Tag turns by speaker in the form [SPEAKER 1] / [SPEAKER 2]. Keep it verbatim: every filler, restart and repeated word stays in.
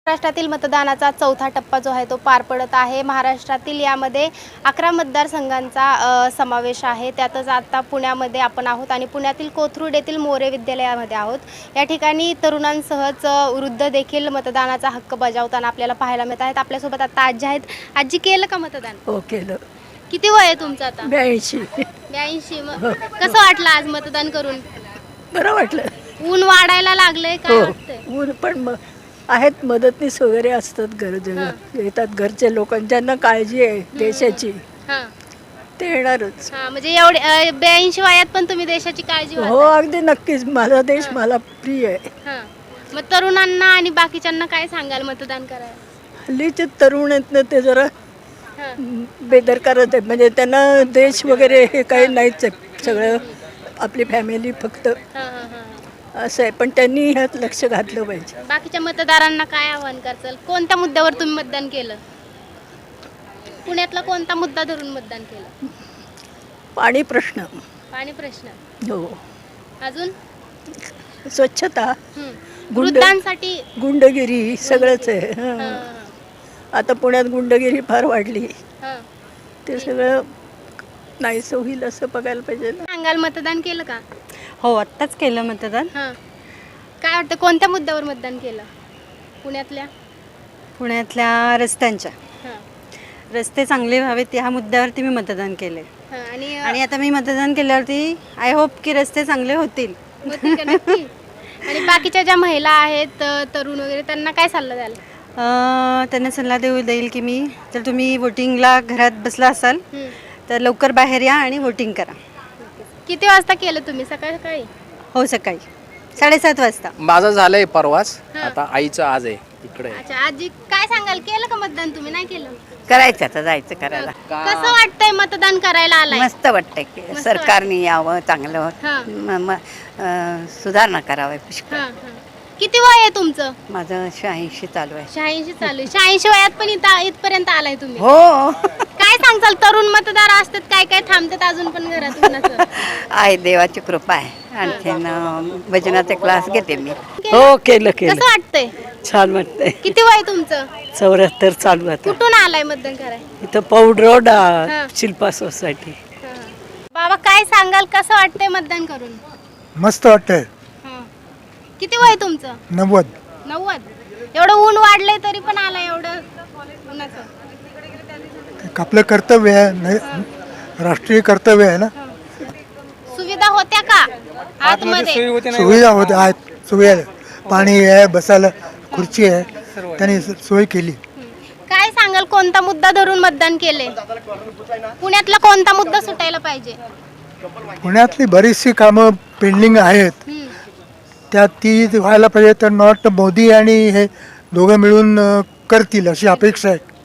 [SPEAKER 1] महाराष्ट्रातील मतदानाचा चौथा टप्पा जो आहे तो पार पडत आहे। महाराष्ट्रातील यामध्ये अकरा मतदारसंघांचा समावेश आहे। त्यातच आता पुण्यामध्ये आपण आहोत आणि पुण्यातील कोथरूड येथील मोरे विद्यालयामध्ये आहोत। या ठिकाणी तरुणांसहच वृद्ध देखील मतदानाचा हक्क बजावताना आपल्याला पाहायला मिळत आहेत। आपल्यासोबत आता आजी आहेत। आजी, केलं का मतदान?
[SPEAKER 2] हो, केलं।
[SPEAKER 1] किती वय आहे तुमचं आता?
[SPEAKER 2] ब्याऐंशी
[SPEAKER 1] ब्याऐंशी मग कसं वाटलं आज मतदान करून?
[SPEAKER 2] बरं वाटलं।
[SPEAKER 1] ऊन वाढायला लागलंय, काय वाटतंय?
[SPEAKER 2] ऊन पण मग आहेत, मदतनीस वगैरे असतात, गरज येतात घरचे लोक ज्यांना काळजी आहे देशाची, ते येणारच।
[SPEAKER 1] हां, म्हणजे एवढे ब्याऐंशी वयात पण तुम्ही देशाची काळजी?
[SPEAKER 2] हो, अगदी नक्कीच। माझा देश मला प्रिय आहे।
[SPEAKER 1] हां, मग तरुणांना आणि बाकीच्यांना काय सांगाल मतदान करायला?
[SPEAKER 2] हल्लीचे तरुण आहेत ना, ते जरा बेदरकारच आहेत। म्हणजे त्यांना देश वगैरे हे काही नाहीच आहे, सगळं आपली फॅमिली फक्त असं आहे। पण त्यांनी ह्यात लक्ष घातलं पाहिजे।
[SPEAKER 1] बाकीच्या मतदारांना काय आव्हान करचाल? कोणत्या मुद्द्यावर तुम्ही मतदान केलं? पुण्यातला कोणता मुद्दा धरून मतदान केलं?
[SPEAKER 2] पाणी प्रश्न।
[SPEAKER 1] पाणी प्रश्न,
[SPEAKER 2] हो।
[SPEAKER 1] अजून
[SPEAKER 2] स्वच्छता,
[SPEAKER 1] वृद्धांसाठी
[SPEAKER 2] गुंडगिरी सगळंच आहे। आता पुण्यात गुंडगिरी फार वाढली, ते सगळं नाहीसं होईल असं बघायला पाहिजे ना।
[SPEAKER 1] सांगाल, मतदान केलं का?
[SPEAKER 3] हो, आत्ताच केलं मतदान।
[SPEAKER 1] हां, काय वाटतं कोणत्या मुद्द्यावर मतदान केलं? पुण्यातल्या
[SPEAKER 3] पुण्यातल्या रस्त्यांच्या,
[SPEAKER 1] हां,
[SPEAKER 3] रस्ते चांगले व्हावेत ह्या मुद्द्यावरती मी मतदान केले।
[SPEAKER 1] हां, आणि
[SPEAKER 3] आणि आता मी मतदान केल्यावरती आय होप की रस्ते चांगले होतील।
[SPEAKER 1] होतील का नक्की? आणि बाकीच्या ज्या महिला आहेत, तरुण वगैरे, त्यांना काय सल्ला द्याल?
[SPEAKER 3] त्यांना सल्ला देऊ देईल की मी, जर तुम्ही वोटिंगला घरात बसला असाल तर लवकर बाहेर या आणि वोटिंग करा।
[SPEAKER 1] किती वाजता केलं तुम्ही? सकाळी सकाळी?
[SPEAKER 3] हो, सकाळी साडेसात वाजता।
[SPEAKER 4] माझं झालंय परवाच, आता आईचं आज आहे इकडे।
[SPEAKER 1] अच्छा, आजी काय सांगाल, केलं का मतदान? तुम्ही नाही केलं?
[SPEAKER 5] करायचं, आता जायचं करायला।
[SPEAKER 1] कसं वाटतंय मतदान करायला आलाय?
[SPEAKER 5] मस्त वाटतंय की सरकारने यावं, चांगलं
[SPEAKER 1] हां.
[SPEAKER 5] म- म- अं, सुधारणा करावी पुष्कळ।
[SPEAKER 1] हां, हां. किती वय आहे तुमचं?
[SPEAKER 5] माझं शहाऐंशी चालू आहे।
[SPEAKER 1] शहाऐंशी चालू आहे। शहाऐंशी वयात पण इथं इथपर्यंत आलाय तुम्ही?
[SPEAKER 5] हो,
[SPEAKER 1] काय सांगचाल? तरुण मतदार असतात, काय काय थांबतात अजून पण घरात उन्हाचं?
[SPEAKER 5] आहे, देवाची कृपा आहे। आणखीन अं, भजनाचे क्लास घेते मी।
[SPEAKER 2] हो, केलं केलं।
[SPEAKER 1] कसं वाटतंय?
[SPEAKER 2] छान वाटतंय।
[SPEAKER 1] किती वय तुमचं?
[SPEAKER 2] चौऱ्याहत्तर चालू आहे।
[SPEAKER 1] कुठून आलाय मतदान करायला?
[SPEAKER 2] इथं पौड रोड,
[SPEAKER 1] हां.
[SPEAKER 2] शिल्पा सोसायटी।
[SPEAKER 1] बाबा, काय सांगाल, कसं वाटतंय मतदान करून?
[SPEAKER 6] मस्त वाटतंय।
[SPEAKER 1] हां. किती वय तुमचं?
[SPEAKER 6] नव्वद।
[SPEAKER 1] नव्वद. एवढं ऊन वाढलंय तरी पण आलाय एवढं उन्हाचं?
[SPEAKER 6] आपलं कर्तव्य आहे, नाही राष्ट्रीय कर्तव्य आहे ना।
[SPEAKER 1] सुविधा होत्या का आतमध्ये?
[SPEAKER 6] सुविधा होत्या, आहेत सुविधा, पाणी आहे, बसायला खुर्ची आहे, त्यांनी सोय केली।
[SPEAKER 1] काय सांगाल, कोणता मुद्दा धरून मतदान केले? पुण्यातला कोणता मुद्दा सुटायला पाहिजे?
[SPEAKER 6] पुण्यातली बरीचशी कामं पेंडिंग आहेत, त्यात ती व्हायला पाहिजे। तर मला वाटतं मोदी आणि हे दोघं मिळून अं, करतील अशी अपेक्षा आहे।